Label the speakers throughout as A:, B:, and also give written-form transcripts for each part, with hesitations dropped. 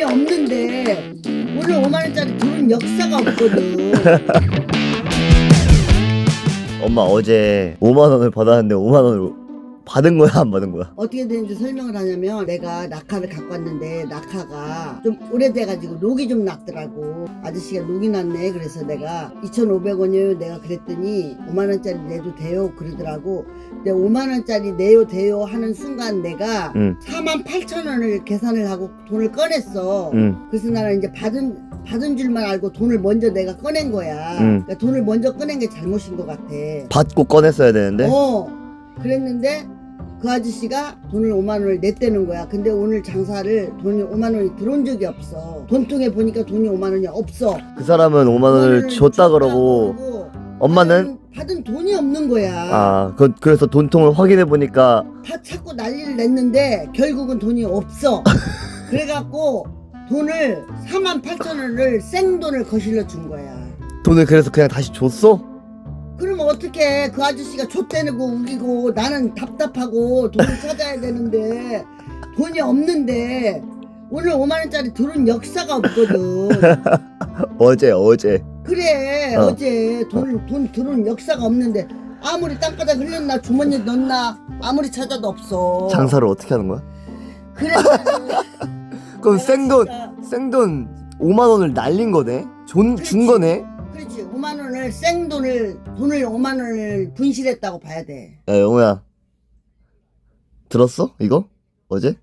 A: 없는데 오늘 5만원짜리 돈은 역사가 없거든.
B: 엄마 어제 5만원을 받았는데 5만원을 받은 거야 안 받은 거야?
A: 어떻게 되는지 설명을 하냐면 내가 낙하를 갖고 왔는데 낙하가 좀 오래돼가지고 녹이 좀 났더라고. 아저씨가 녹이 났네. 그래서 내가 2,500원이요 내가 그랬더니 5만원짜리 내도 돼요 그러더라고. 근데 5만원짜리 내요 돼요 하는 순간 내가 48,000원을 계산을 하고 돈을 꺼냈어. 그래서 나는 이제 받은 줄만 알고 돈을 먼저 내가 꺼낸 거야. 그러니까 돈을 먼저 꺼낸 게 잘못인 것 같아.
B: 받고 꺼냈어야 되는데?
A: 그랬는데 그 아저씨가 돈을 5만원을 냈다는 거야. 근데 오늘 장사를 돈이 5만원이 들어온 적이 없어. 돈통에 보니까 돈이 5만원이 없어.
B: 그 사람은 5만원을 줬다 그러고 엄마는
A: 받은 돈이 없는 거야.
B: 그래서 돈통을 확인해 보니까
A: 다 찾고 난리를 냈는데 결국은 돈이 없어. 그래갖고 돈을 48,000원을 생돈을 거실러 준 거야.
B: 돈을 그래서 그냥 다시 줬어?
A: 그럼 어떻게 그 아저씨가 좆대고 우기고 나는 답답하고 돈을 찾아야 되는데 돈이 없는데 오늘 5만원짜리 들은 역사가 없거든.
B: 어제
A: 그래 어제 돈 들은 역사가 없는데 아무리 땅바닥 흘렸나 주머니에 넣나 아무리 찾아도 없어.
B: 장사를 어떻게 하는 거야?
A: 그래.
B: 그럼 생돈 5만원을 날린 거네? 준 거네?
A: 그렇지. 5만원을 돈을 5만원을 분실했다고 봐야 돼.
B: 야 영호야 들었어? 이거? 어제?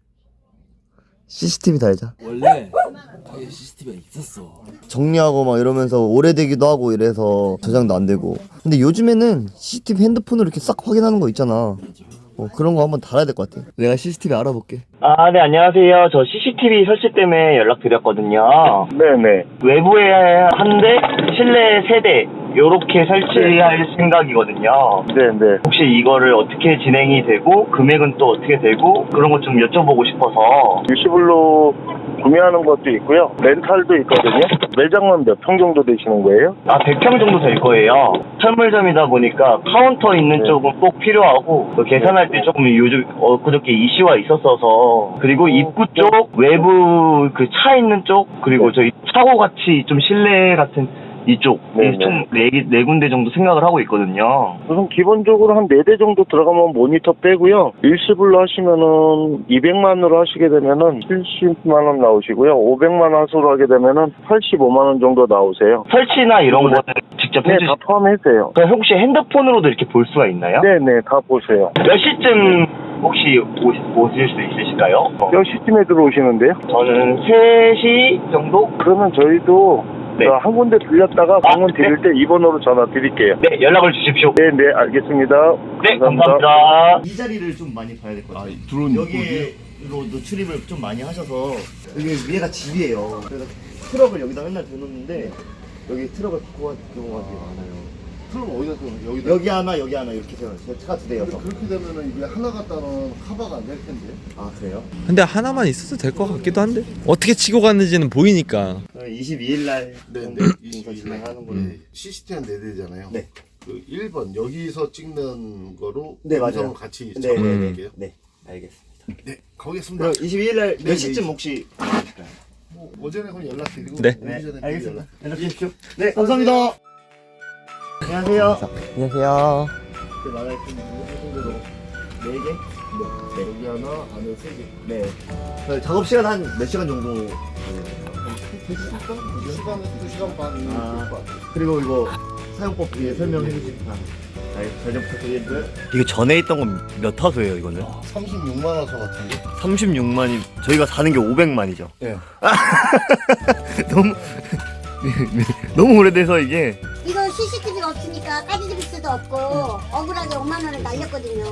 B: CCTV 달자.
C: 원래 가게 CCTV가 있었어.
B: 정리하고 막 이러면서 오래되기도 하고 이래서 저장도 안 되고. 근데 요즘에는 CCTV 핸드폰으로 이렇게 싹 확인하는 거 있잖아. 그런 거 한번 달아야 될 것 같아. 내가 CCTV 알아볼게.
D: 네, 안녕하세요. 저 CCTV 설치 때문에 연락드렸거든요.
E: 네네.
D: 외부에 한 대, 실내 세 대, 요렇게 설치할 생각이거든요.
E: 네네.
D: 혹시 이거를 어떻게 진행이 되고, 금액은 또 어떻게 되고, 그런 것 좀 여쭤보고 싶어서.
E: 일시불로 구매하는 것도 있고요. 렌탈도 있거든요. 매장은 몇 평 정도 되시는 거예요?
D: 100평 정도 될 거예요. 철물점이다 보니까 카운터 있는 쪽은 꼭 필요하고, 계산할 때 조금 요즘, 그저께 이슈가 있었어서, 그리고 입구 쪽, 외부 차 있는 쪽, 그리고 저희 차고 같이 좀 실내 같은 이쪽, 총 네 군데 정도 생각을 하고 있거든요.
E: 우선 기본적으로 한 4대 정도 들어가면 모니터 빼고요. 일시불로 하시면은 200만으로 하시게 되면은 70만원 나오시고요. 500만 화소로 하게 되면은 85만원 정도 나오세요.
D: 설치나 이런 거는 직접
E: 네,
D: 해주시죠?
E: 다 포함해서요.
D: 그럼 혹시 핸드폰으로도 이렇게 볼 수가 있나요?
E: 네네, 다 보세요.
D: 몇 시쯤 혹시 오실 수 있으실까요?
E: 몇 시쯤에 들어오시는데요?
D: 저는 3시 정도?
E: 그러면 저희도
D: 네.
E: 한 군데 들렸다가 방문 드릴 때 2번으로 전화 드릴게요.
D: 네, 연락을 주십시오.
E: 네, 알겠습니다.
D: 네, 감사합니다.
B: 이 자리를 좀 많이 봐야 될 것 같아요.
C: 들어온
B: 여기로도 출입을 좀 많이 하셔서 여기 위에가 집이에요. 그래서 트럭을 여기다 맨날 대놓는데 여기 트럭을 갖고 갈 경우가 되게 많아요.
F: 그럼 어디다 또 여기다
B: 여기 하나 이렇게 세워요. 차가 2대여서.
F: 그렇게 되면은 이게 하나 갖다는 커버가 안 될 텐데.
B: 그래요?
G: 근데 하나만 있어도 될 것 같기도 한데 어떻게 치고 갔는지는 보이니까.
B: 22일 날
F: 네,
B: 정도 인사 진행하는 걸로.
F: CCTV 4대잖아요.
B: 네.
F: 그 1번 여기서 찍는 거로
B: 네, 맞아요.
F: 음성을 같이
B: 네,
F: 잡아드릴게요.
B: 네, 알겠습니다.
F: 네, 가보겠습니다.
B: 그럼 22일 날 몇
F: 네,
B: 시쯤
F: 네.
B: 혹시
F: 뭐 오전에 그럼 연락드리고
G: 네.
F: 오기 전에
B: 알겠습니다.
F: 연락.
B: 연락 주십시오. 네, 감사합니다. 안녕하세요. 안녕하세요. 말할 수 있는 정도로 4개? 네.
F: 여기 하나, 안에 3개.
B: 네. 작업 시간 한 몇 시간 정도?
F: 2시간 반 될것 같아요.
B: 그리고 이거 사용법 설명해 주시면 잘 부탁드리고요. 이거 전에 있던 건 몇 화소예요, 이거는?
F: 36만 원서 같은데.
B: 36만이 저희가 사는 게 500만이죠.
F: 네.
B: 너무 오래돼서 이게.
H: 이거 CCTV가 없으니까 까지집일 수도 없고 억울하게 5만 원을 날렸거든요.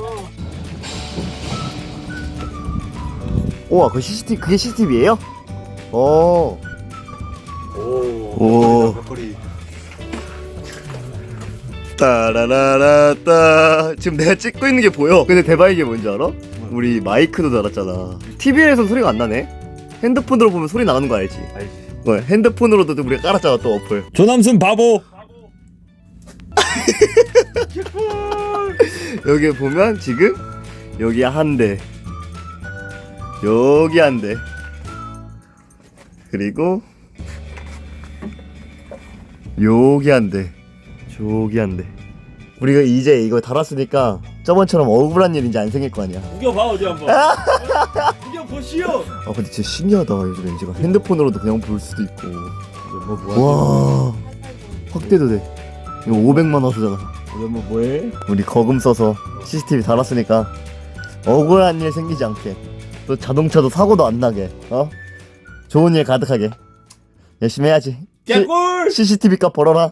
B: 우와, 그 CCTV, 그게 CCTV예요? 오.
F: 거리.
B: 따라라라따. 지금 내가 찍고 있는 게 보여. 근데 대박인 게 뭔지 알아? 우리 마이크도 달았잖아. TV에서 소리가 안 나네. 핸드폰으로 보면 소리 나는 거 알지? 핸드폰으로도 우리가 깔았잖아, 또 어플.
G: 조남순 바보.
B: 여기 보면 지금 여기 한 대, 여기 한 대, 그리고 여기 한대, 저기 한대. 우리가 이제 이거 달았으니까 저번처럼 억울한 일 이제 안 생길 거 아니야.
C: 우겨봐 어디 한번. 우겨보시오.
B: 아 근데 진짜 신기하다. 요즘 LG가 핸드폰으로도 그냥 볼 수도 있고. 와, 확대도 돼. 이거 500만 화소잖아.
C: 우리 한번 뭐해?
B: 우리 거금 써서 CCTV 달았으니까 억울한 일 생기지 않게, 또 자동차도 사고도 안 나게, 좋은 일 가득하게 열심히 해야지.
C: 개꿀.
B: CCTV 값 벌어라.